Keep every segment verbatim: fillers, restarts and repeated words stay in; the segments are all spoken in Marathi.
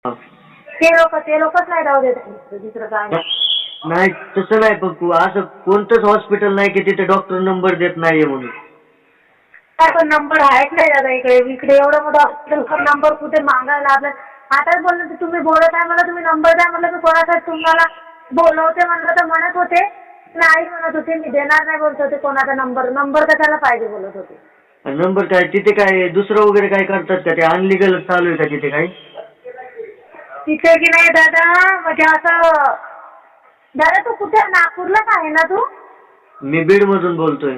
ते लोक ते लोकच नाही जाऊ देत दुसरं काय नाही. नाही तसं नाही, पण तू असं कोणतंच हॉस्पिटल नाही की तिथे डॉक्टर नंबर देत नाहीये म्हणून. काय पण नंबर आहेत नाही दादा इकडे इकडे एवढं मोठं हॉस्पिटल नंबर कुठे मागायला आपलं. आताच बोललं की तुम्ही बोलत आहे मला तुम्ही नंबर द्या म्हटलं की कोणासाठी तुम्हाला बोलवते म्हणलं तर म्हणत होते नाही म्हणत होते मी देणार नाही बोलत होते कोणाचा नंबर नंबर कशाला पाहिजे बोलत होते. नंबर काय तिथे काय दुसरं वगैरे काय करतात का, ते अनलिगल चालू आहे का तिथे काही? तिथे की नाही दादा म्हणजे असं दादा तू कुठे नागपूरलाच आहे ना तू? मी बीड मधून बोलतोय.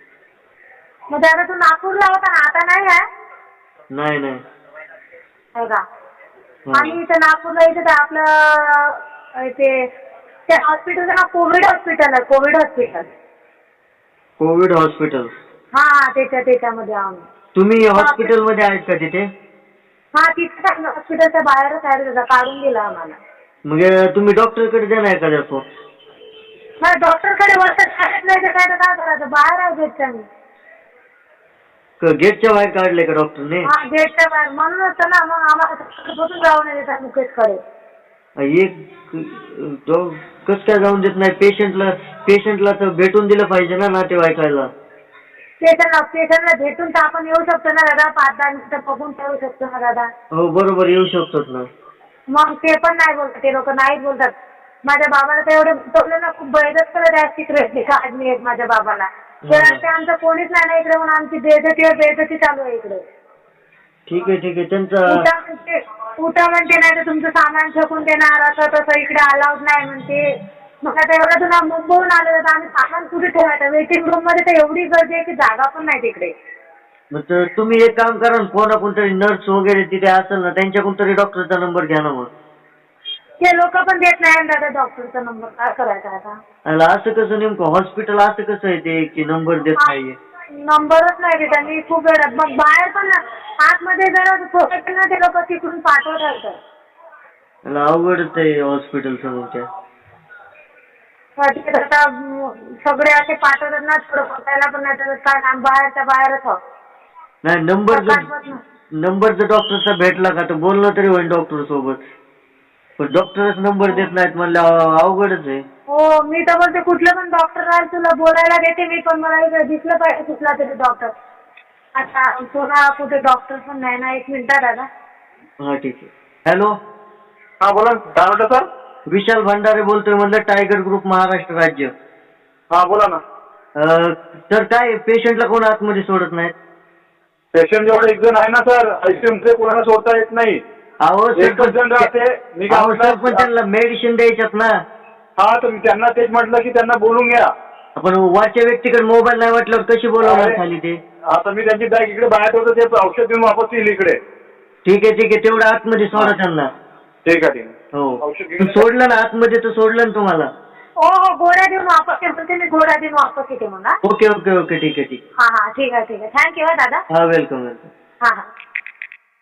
मग दादा तू नागपूरला होता ना आता नाही आहे? नाही नाही हो का. आणि इथं नागपूरला इथं तर आपलं ते त्या हॉस्पिटलचं नाव कोविड हॉस्पिटल आहे कोविड हॉस्पिटल. Covid hospital? हा त्याच्या त्याच्यामध्ये आम्ही. तुम्ही हॉस्पिटलमध्ये आहेत का तिथे? हा तिथे हॉस्पिटलच्या बाहेरच आहे दादा काढून दिला आम्हाला. मग तुम्ही डॉक्टरकडे देणार का त्याचं? नाही डॉक्टरकडे वर्षात काढत नाही तर काय तर काय करायचं बाहेर आहे गेटच्या मी. गेटच्या बाहेर काढले का डॉक्टरने? हा गेटच्या बाहेर म्हणूनच तर ना मग आम्हाला बसून जाऊ नये देतात मुकेशकडे. एक कस काय जाऊन देत नाही पेशंटला? पेशंटला तर भेटून दिलं पाहिजे ना नातेवाईकाला. पेशंटला पेशंटला भेटून तर आपण येऊ शकतो ना दादा पाच दहा मिनिटं बघून ठेवू शकतो ना दादा. हो बरोबर येऊ शकतो ना. मग ते पण नाही बोलतात ते लोक नाहीच बोलतात. माझ्या बाबाला तर एवढे बोलले ना खूप बैदच करत आहे सिक्रेटली काढणी आहेत माझ्या बाबाला. तर ते आमचं कोणीच नाही ना इकडे म्हणून आमची बेइज्जती बेइज्जती चालू आहे इकडे. ठीक आहे ठीक आहे त्यांचा उठा म्हणते उठा म्हणते नाही तर तुमचं सामान फेकून देणार असं तसं इकडे अलाउड नाही म्हणते. मग आता एवढं तुला मुंबईहून आलं तर आम्ही सामान कुठे ठेवायचं वेटिंग रूम मध्ये तर एवढी गर्दी आहे की जागा पण नाही तिकडे. मग तुम्ही एक काम करा ना कोणा कोणतरी नर्स वगैरे तिथे असेल ना त्यांच्याकडून तरी डॉक्टरचा नंबर घ्या ना. मग ते लोक पण देत नाही दादा डॉक्टरचा नंबर काय करायचा आता. असं कसं नेमकं हॉस्पिटल असं कसं आहे ते की नंबर देत नाहीये? नंबरच नाही देत त्यांनी खूप वेळात मग बाहेर पण आतमध्ये जरा सोसायटी ना ते लोक तिकडून पाठवत राहतात. अवघडच आहे हॉस्पिटल समोर त्या. आता सगळे असे पाठवतात ना थोडं बसायला पण नाही तर काय बाहेरच्या बाहेरच आहोत. नाही नंबर जर नंबर जर डॉक्टरचा भेटला का तर बोलणं तरी होईल डॉक्टर सोबत. पण डॉक्टरच नंबर देत नाहीत म्हणलं अवघडच आहे. हो मी तर बोलते कुठलं पण डॉक्टर राहील तुला बोलायला देते मी पण मला इकडे दिसलं पाहिजे कुठला तरी डॉक्टर. आता तुला कुठे डॉक्टर पण नाही ना. एक मिनिट दादा. हा ठीक आहे. हॅलो हा बोला काय म्हणता सर? विशाल भंडारे बोलतोय म्हणलं टायगर ग्रुप महाराष्ट्र राज्य. हा बोला ना. तर काय पेशंटला कोण आतमध्ये सोडत नाहीत? पेशंट जेवढे एक जण आहे ना सर आयसीयूमध्ये कोणाला सोडता येत नाही. अहो एकच जण राहते. मी काय सर म्हटलं पण त्यांना मेडिसिन द्यायच्यात ना. हा तर मी त्यांना तेच म्हटलं की त्यांना बोलून घ्या. आपण वरच्या व्यक्तीकडे मोबाईल नाही म्हटल्यावर कशी बोलावणार खाली ते? आता मी त्यांची बॅग इकडे बाहेर होतं ते औषध देऊन वापस येईल इकडे. ठीक आहे ठीक आहे तेवढं आतमध्ये सोडा त्यांना. ठीक आहे ठीक आहे. हो औषध घेऊन सोडलं ना आतमध्ये तर सोडलं ना तुम्हाला? हो हो गोळ्या देऊन वापस येते मी गोळ्या देऊन वापस येते म्हणा. ओके ओके ओके ठीक आहे ठीक हा हा ठीक आहे ठीक आहे थँक्यू दादा. हा वेलकम वेलकम. हा हा.